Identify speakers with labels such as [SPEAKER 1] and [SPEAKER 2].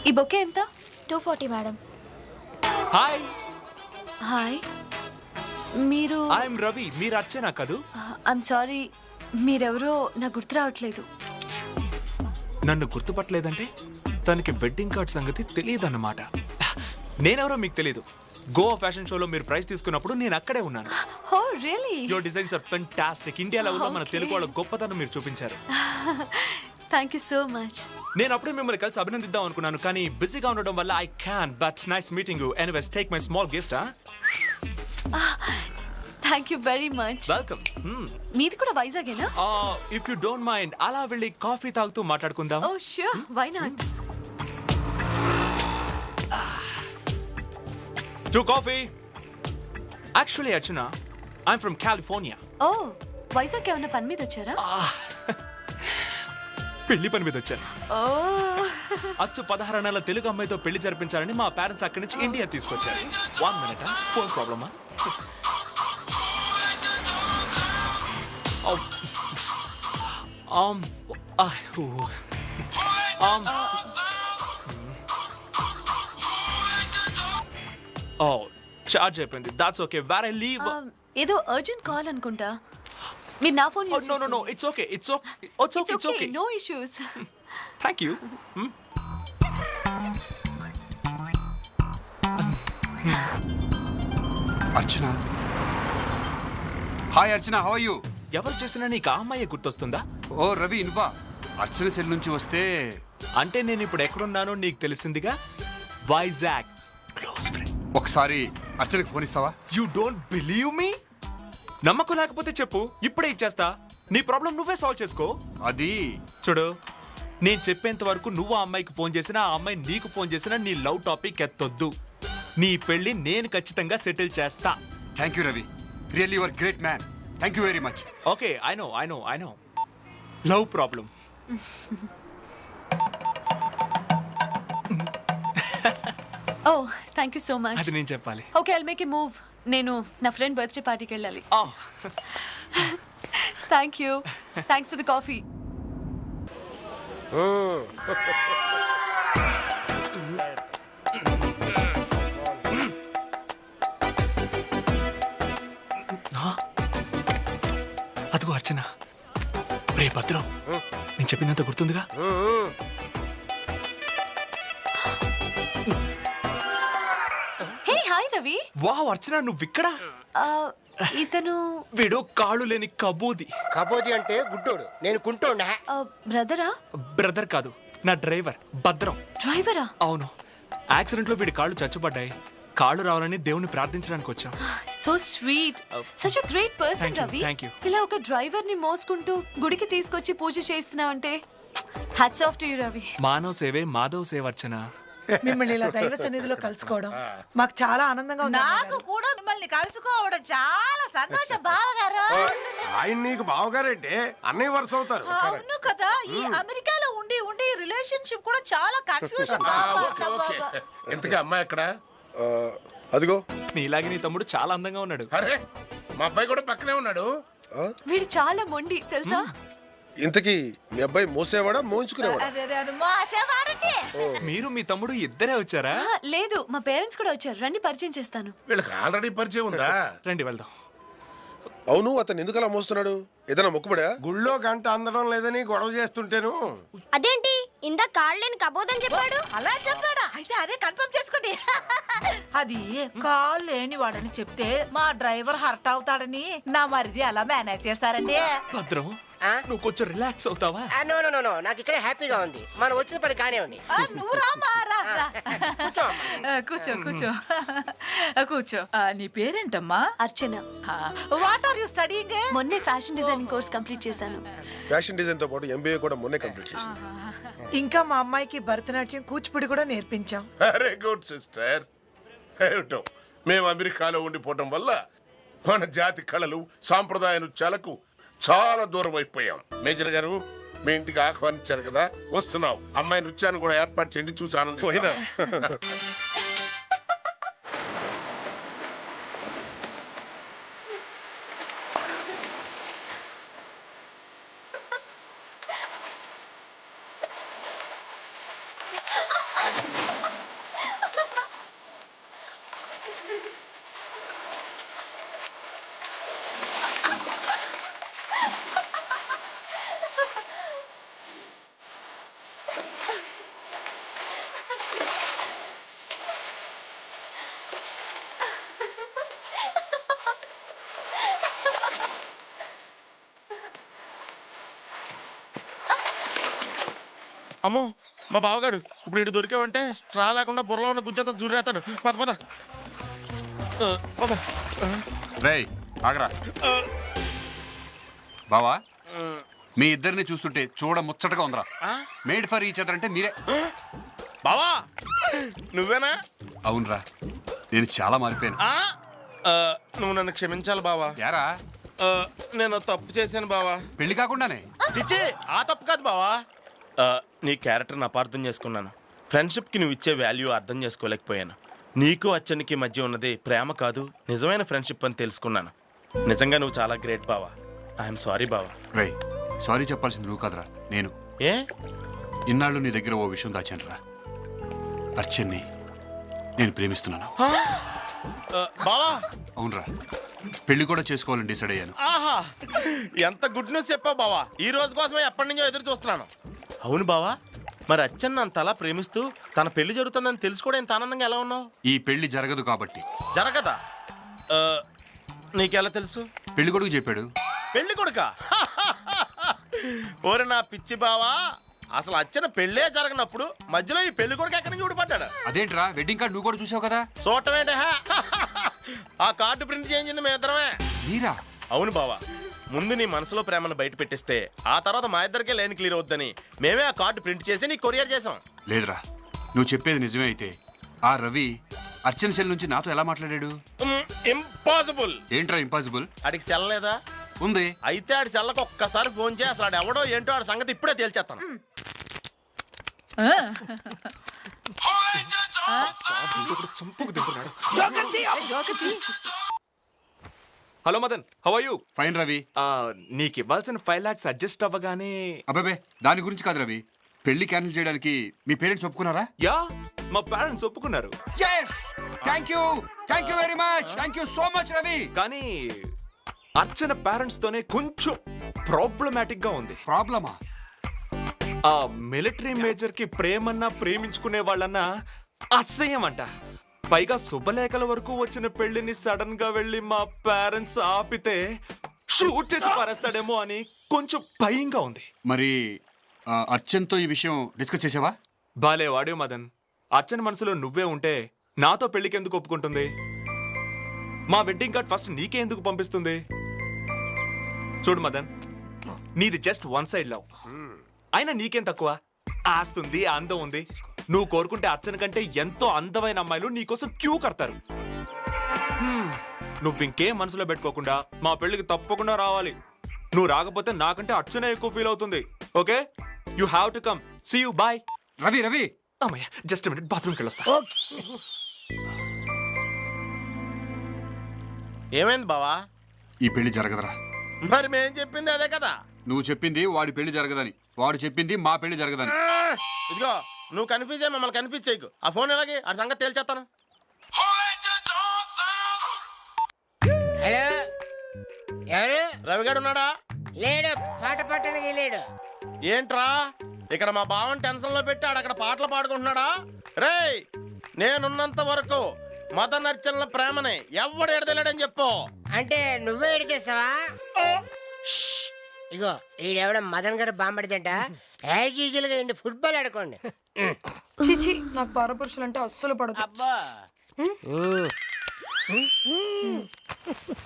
[SPEAKER 1] ఈ బొకే ఎంత?
[SPEAKER 2] 240 madam.
[SPEAKER 3] Hi
[SPEAKER 1] hi, మీరు?
[SPEAKER 3] ఐఎమ్ రవి. మీరు అర్చనా కదూ?
[SPEAKER 1] ఐఎమ్ సారీ, మీరెవరో నాకు గుర్తు రావట్లేదు.
[SPEAKER 3] నన్ను గుర్తుపట్టలేదంటే తనకి వెడ్డింగ్ కార్డ్ సంగతి తెలియదన్నమాట. నేనెవరో మీకు తెలియదు. గోవా ఫ్యాషన్ షోలో మీరు ప్రైజ్ తీసుకున్నప్పుడు నేను అక్కడే ఉన్నాను.
[SPEAKER 1] Oh really?
[SPEAKER 3] Your designs are fantastic. India లెవెల్లో మన తెలుగు వాళ్ళ గొప్పతనం మీరు చూపించారు.
[SPEAKER 1] Thank you so much.
[SPEAKER 3] నేను అప్పుడే మిమ్మల్ని కలిసి అభినందిద్దాం అనుకున్నాను, కానీ బిజీగా ఉండడం వల్ల I can. But nice meeting you. Anyways take my small gift.
[SPEAKER 1] Thank you very much.
[SPEAKER 3] Welcome.
[SPEAKER 1] మీది కూడా వైజాగేనా?
[SPEAKER 3] ఇఫ్ యూ డోంట్ మైండ్ అలా వెళ్ళి కాఫీ తాగుతూ మాట్లాడుకుందాం.
[SPEAKER 1] Oh sure, why not?
[SPEAKER 3] To coffee. Actually, Archana, I'm from California.
[SPEAKER 1] ఓ, వైజాగ్ ఏమన్నా పని మీద వచ్చారా?
[SPEAKER 3] పెళ్లి పని మీద వచ్చాను.
[SPEAKER 1] ఓ,
[SPEAKER 3] అచ్చు 16 నెలల తెలుగు అమ్మాయితో పెళ్లి జరిపించాలని మా పేరెంట్స్ అక్కడి నుంచి ఇండియా తీసుకొచ్చారు. 1 minute, ఫోన్ ప్రాబ్లమా? చార్జ్ అయిపోయింది. That's okay. Where I leave.
[SPEAKER 1] ఏదో అర్జెంట్ కాల్ అనుకుంటా. మీరు నా phone use
[SPEAKER 3] no it's okay. It's okay.
[SPEAKER 1] No issues.
[SPEAKER 3] Thank you.
[SPEAKER 4] Archana. Hi Archana, how are you?
[SPEAKER 3] ఎవరు చేసినా నీకు ఆ అమ్మాయి గుర్తొస్తుందా?
[SPEAKER 4] ఓ రవి, ఇన్వా. అర్చన సెల్ నుంచి వస్తే
[SPEAKER 3] అంటే నేను ఇప్పుడు ఎక్కడున్నానో నీకు తెలిసిందిగా. వైజాగ్. Close friend.
[SPEAKER 4] ఒకసారి అర్చనకి ఫోన్ ఇస్తావా?
[SPEAKER 3] You don't believe me? నమ్మకం లేకపోతే చెప్పు, ఇప్పుడే ఇచ్చేస్తా. నీ ప్రాబ్లం నువ్వే సాల్వ్ చేసుకో.
[SPEAKER 4] అది
[SPEAKER 3] చూడు, నేను చెప్పేంత వరకు నువ్వు ఆ అమ్మాయికి ఫోన్ చేసినా, ఆ అమ్మాయి నీకు ఫోన్ చేసినా నీ లవ్ టాపిక్ ఎత్తొద్దు. నీ పెళ్లి నేను ఖచ్చితంగా సెటిల్ చేస్తా.
[SPEAKER 4] Thank you Ravi, really your great man. Thank you very much.
[SPEAKER 3] Okay, I know. Love problem.
[SPEAKER 1] Oh, thank you so much.
[SPEAKER 3] అది నేను చెప్పాలి.
[SPEAKER 1] Okay, I'll make a move. నేను నా ఫ్రెండ్ బర్త్డే పార్టీకి వెళ్ళాలి. Thank you. Thanks for the coffee.
[SPEAKER 3] అదిగో అర్చన. రే భద్రం, నేను చెప్పినంత గుర్తుందిగా?
[SPEAKER 1] Hey hi Ravi.
[SPEAKER 3] Wow Archana, నువ్విక్కడ?
[SPEAKER 1] ఇతను
[SPEAKER 3] వీడు కాళ్ళు లేని కబూది.
[SPEAKER 5] కబోది అంటే గుడ్డోడు, నేను కుంటోండా.
[SPEAKER 1] బ్రదరా?
[SPEAKER 3] బ్రదర్ కాదు, నా డ్రైవర్ భద్రం.
[SPEAKER 1] డ్రైవరా?
[SPEAKER 3] అవును, యాక్సిడెంట్ లో వీడి కాళ్ళు చచ్చుపడ్డాయి. కాళ్ళు రావాలని దేవుని ప్రార్థించడానికి వచ్చాం.
[SPEAKER 1] So sweet, such a great person Ravi.
[SPEAKER 3] Thank you.
[SPEAKER 1] ఇలా ఒక డ్రైవర్ ని మోసుకుంటూ గుడికి తీసుకొచ్చి పూజ చేస్తున్నావంటే hats off to you Ravi.
[SPEAKER 3] మానవ సేవే మాధవ సేవ అర్చన.
[SPEAKER 6] మిమ్మల్ని ఇలా దైవ సన్నిధిలో కలుసుకోవడం మాకు చాలా ఆనందంగా ఉంది.
[SPEAKER 7] నాకు కూడా మిమ్మల్ని కలుసుకోవడం చాలా సంతోషం బావగారు.
[SPEAKER 5] ఆయన నీకు బావగారంటే అన్నయ్య వరుస అవుతారు.
[SPEAKER 7] అవును కదా, ఈ అమెరికాలో ఉండి ఉండి రిలేషన్షిప్ కూడా చాలా కన్ఫ్యూజన్.
[SPEAKER 8] ఎంతగా అమ్మాయి అక్కడ?
[SPEAKER 5] అదిగో.
[SPEAKER 3] నీలాగే నీ తమ్ముడు చాలా అందంగా ఉన్నాడు.
[SPEAKER 8] అరే, మా అబ్బాయి కూడా పక్కనే ఉన్నాడు.
[SPEAKER 1] వీడు చాలా మొండి తెలుసా?
[SPEAKER 5] ఇంతకీ మీ అబ్బాయి మోసేవాడా మోయించుకునేవాడా?
[SPEAKER 3] మీరు మీ తమ్ముడు ఇద్దరే వచ్చారా?
[SPEAKER 1] లేదు, మా పేరెంట్స్ కూడా వచ్చారు. రండి పరిచయం చేస్తాను.
[SPEAKER 8] వీళ్ళకి ఆల్రెడీ పరిచయం ఉందా?
[SPEAKER 3] రండి వెళ్దాం.
[SPEAKER 5] అవును, అతను ఎందుకు అలా మోస్తున్నాడు? ఏదైనా మొక్కుబడా?
[SPEAKER 8] గుళ్ళో గంట అందడం లేదని గొడవ చేస్తుంటేను.
[SPEAKER 2] అదేంటి ఇందా కాళ్ళని కబోదని చెప్పాడు?
[SPEAKER 7] అలా చెప్పాడా? అయితే అదే కన్ఫర్మ్ చేసుకోండి. అది కాల్ లేని వాడని చెప్తే మా డ్రైవర్ హర్ట్ అవుతాడని నా మరిది అలా మేనేజ్ చేస్తారండి.
[SPEAKER 3] భద్రం, నువ్వు కొంచెం రిలాక్స్ అవుతావా?
[SPEAKER 9] నో, నాకు ఇక్కడే హ్యాపీగా ఉంది. మనం వచ్చిన పని కానివ్వండి.
[SPEAKER 7] నువ్వు రామా, రా. కూర్చో. నీ పేరేంటమ్మా?
[SPEAKER 1] Archana.
[SPEAKER 7] What are you studying?
[SPEAKER 1] మొన్నే ఫ్యాషన్ డిజైనింగ్ కోర్స్ కంప్లీట్ చేశాను.
[SPEAKER 5] ఫ్యాషన్ డిజైన్ తో పాటు ఎంబీఏ కూడా మొన్నే కంప్లీట్ చేసింది.
[SPEAKER 6] ఇంకా మా అమ్మాయికి భరతనాట్యం కూచిపూడి కూడా నేర్పించాం.
[SPEAKER 8] అరే గుడ్ సిస్టర్. ఏమిటో మేము అమెరికాలో ఉండిపోవటం వల్ల మన జాతి కళలు సాంప్రదాయ నృత్యాలకు చాలా దూరం అయిపోయాం. మేజర్ గారు, మీ ఇంటికి ఆహ్వానించారు కదా, వస్తున్నావు. అమ్మాయి నృత్యాన్ని కూడా ఏర్పాటు చేయండి, చూసి ఆనందిపోయినా.
[SPEAKER 10] అమ్మో మా బావగాడు ఇప్పుడు ఇటు దొరికావంటే స్ట్రా లేకుండా బుర్రలో ఉన్న గుజ్జంతా జూరేస్తాడు. పద పద పద.
[SPEAKER 4] రేయ్ ఆగరా బావా, మీ ఇద్దరిని చూస్తుంటే చూడ ముచ్చటగా ఉందిరా. మేడ్ ఫర్ ఈచ్ అదర్ అంటే మీరే.
[SPEAKER 10] బావా నువ్వేనా?
[SPEAKER 4] అవునరా, నేను చాలా మారిపోయాను.
[SPEAKER 10] నువ్వు నన్ను క్షమించాలి బావా.
[SPEAKER 4] యారా
[SPEAKER 10] నేను తప్పు చేశాను బావా.
[SPEAKER 4] పెళ్లి కాకుండానే?
[SPEAKER 10] చిచ్చి ఆ తప్పు కాదు బావా. నీ క్యారెక్టర్ని అపార్థం చేసుకున్నాను. ఫ్రెండ్షిప్కి నువ్వు ఇచ్చే వాల్యూ అర్థం చేసుకోలేకపోయాను. నీకు అచ్చనికి మధ్య ఉన్నది ప్రేమ కాదు, నిజమైన ఫ్రెండ్షిప్ అని తెలుసుకున్నాను. నిజంగా నువ్వు చాలా గ్రేట్ బావా. ఐఎమ్ సారీ బావా.
[SPEAKER 4] రేయ్ సారీ చెప్పాల్సింది నువ్వు కాదురా, నేను.
[SPEAKER 10] ఏ
[SPEAKER 4] ఇన్నాళ్ళు నీ దగ్గర ఓ విషయం దాచానురా. అర్చన్ని నేను ప్రేమిస్తున్నాను.
[SPEAKER 10] బావా
[SPEAKER 4] అవునరా, పెళ్లి కూడా చేసుకోవాలని డిసైడ్ అయ్యాను.
[SPEAKER 10] ఆహా ఎంత గుడ్ న్యూస్ చెప్పావు బావా. ఈ రోజు కోసమే ఎప్పటి నుంచో ఎదురు చూస్తున్నాను. అవును బావా, మరి అచ్చన్న అంతలా ప్రేమిస్తూ తన పెళ్లి జరుగుతుందని తెలుసుకోవడం ఎంత ఆనందంగా ఎలా ఉన్నావు?
[SPEAKER 4] ఈ పెళ్లి జరగదు కాబట్టి.
[SPEAKER 10] జరగదా? నీకెలా తెలుసు?
[SPEAKER 4] పెళ్లి కొడుకు చెప్పాడు.
[SPEAKER 10] పెళ్లి కొడుక? ఓరే నా పిచ్చి బావా, అసలు అచ్చన పెళ్ళే జరగనప్పుడు మధ్యలో ఈ పెళ్లి కొడుకు ఎక్కడి నుంచి ఊడిపడ్డాడు?
[SPEAKER 4] అదేంట్రా, వెడ్డింగ్ కార్డు నువ్వు కూడా చూసావు కదా.
[SPEAKER 10] చూడటమేంటే ఆ కార్డు ప్రింట్ చేయించింది మేము ఇద్దరమే.
[SPEAKER 4] మీరా?
[SPEAKER 10] అవును బావా, ముందు నీ మనసులో ప్రేమను బయట పెట్టిస్తే ఆ తర్వాత మా ఇద్దరికే లైన్ క్లియర్ అవుద్దని మేమే ఆ కార్డు ప్రింట్ చేసి నీకు కొరియర్ చేసాం.
[SPEAKER 4] లేదురా, నువ్వు చెప్పేది నిజమే అయితే ఆ రవి అర్చన సెల్ నుంచి నాతో ఎలా మాట్లాడాడు?
[SPEAKER 10] ఇంపాసిబుల్.
[SPEAKER 4] ఏంట్రా ఇంపాసిబుల్?
[SPEAKER 10] ఆడికి సెల్ లేదా?
[SPEAKER 4] ఉంది.
[SPEAKER 10] అయితే ఆడి సెల్లకు ఒక్కసారి ఫోన్ చేసి అసలు ఆడు ఎవడో ఏంటో ఆడి సంగతి ఇప్పుడే తేల్చేస్తాను.
[SPEAKER 3] Hello Madan, how are you?
[SPEAKER 4] Fine Ravi.
[SPEAKER 3] నీకు ఇవ్వాల్సిన 5 lakhs అడ్జస్ట్ అవ్వగానే.
[SPEAKER 4] అబ్బాబే దాని గురించి కాదు రవి, పెళ్లి క్యాన్సిల్ చేయడానికి మీ పేరెంట్స్ ఒప్పుకున్నారా?
[SPEAKER 3] యా, మా పేరెంట్స్ ఒప్పుకున్నారు.
[SPEAKER 4] Thank you very much. Thank you so much Ravi.
[SPEAKER 3] కానీ అర్చన పేరెంట్స్ తోనే కొంచెం ప్రాబ్లమాటిక్ గా ఉంది.
[SPEAKER 4] ప్రాబ్లమా?
[SPEAKER 3] ఆ మిలిటరీ మేజర్ కి ప్రేమన్నా ప్రేమించుకునే వాళ్ళన్నా అసహ్యం అంట. పైగా శుభలేఖల వరకు వచ్చిన పెళ్లిని సడన్ గా వెళ్ళి మా పేరెంట్స్ ఆపితే షూట్ చేసి పారేస్తాడేమో అని కొంచెం భయంగా ఉంది.
[SPEAKER 4] మరి అర్చన్తో ఈ విషయం డిస్కస్ చేసావా?
[SPEAKER 3] బాలే వాడే మదన్, అర్చన మనసులో నువ్వే ఉంటే నాతో పెళ్లికి ఎందుకు ఒప్పుకుంటుంది? మా వెడ్డింగ్ కార్డ్ ఫస్ట్ నీకే ఎందుకు పంపిస్తుంది? చూడు మదన్, నీది జస్ట్ వన్ సైడ్ లవ్. అయినా నీకేం తక్కువ? ఆస్తుంది, అందం ఉంది. నువ్వు కోరుకుంటే అర్చన కంటే ఎంతో అందమైన అమ్మాయిలు నీకోసం క్యూ కడతారు. నువ్వు ఇంకేం మనసులో పెట్టుకోకుండా మా పెళ్లికి తప్పకుండా రావాలి. నువ్వు రాకపోతే నాకంటే అర్చనే ఎక్కువ ఫీల్ అవుతుంది. Okay, you have to come. See you, bye.
[SPEAKER 4] Ravi Ravi
[SPEAKER 3] అమ్మయ్య, జస్ట్ మినిట్, బాత్రూమ్కి వెళ్ళొస్తా.
[SPEAKER 10] ఏమైంది బావా?
[SPEAKER 4] ఈ పెళ్లి జరగదురా.
[SPEAKER 10] మరి మేం చెప్పింది అదే కదా.
[SPEAKER 4] నువ్వు చెప్పింది వాడి పెళ్లి జరగదని, వాడు చెప్పింది మా పెళ్లి జరగదని.
[SPEAKER 10] ఇదిగో నువ్వు కన్ఫ్యూజ్ అయ్యి మమ్మల్ని కన్ఫ్యూజ్ చేయకు. ఆ ఫోన్ ఎలాగే ఆ సంగతి తేల్చేస్తాను.
[SPEAKER 9] హలో, ఎవరు?
[SPEAKER 10] రవిగాడు ఉన్నాడా?
[SPEAKER 9] లేడు, పాట పాడటానికి లేడు.
[SPEAKER 10] ఏంట్రా ఇక్కడ మా బావని టెన్షన్ లో పెట్టి ఆడ అక్కడ పాటలు పాడుకుంటున్నాడా? రేయ్, నేనున్నంత వరకు మదన్ అర్చనల ప్రేమని ఎవడు ఎడదలేడని చెప్పు.
[SPEAKER 9] అంటే నువ్వే ఎడిచేస్తావా? ఇగో ఈడెవడ మదన్ గారు బాంబడిదంట. యాజ్ యూజువల్ గా ఫుట్బాల్ ఆడుకోండి.
[SPEAKER 11] చిచి, నాకు పరపురుషులు అంటే అస్సలు పడదు.
[SPEAKER 9] అబ్బా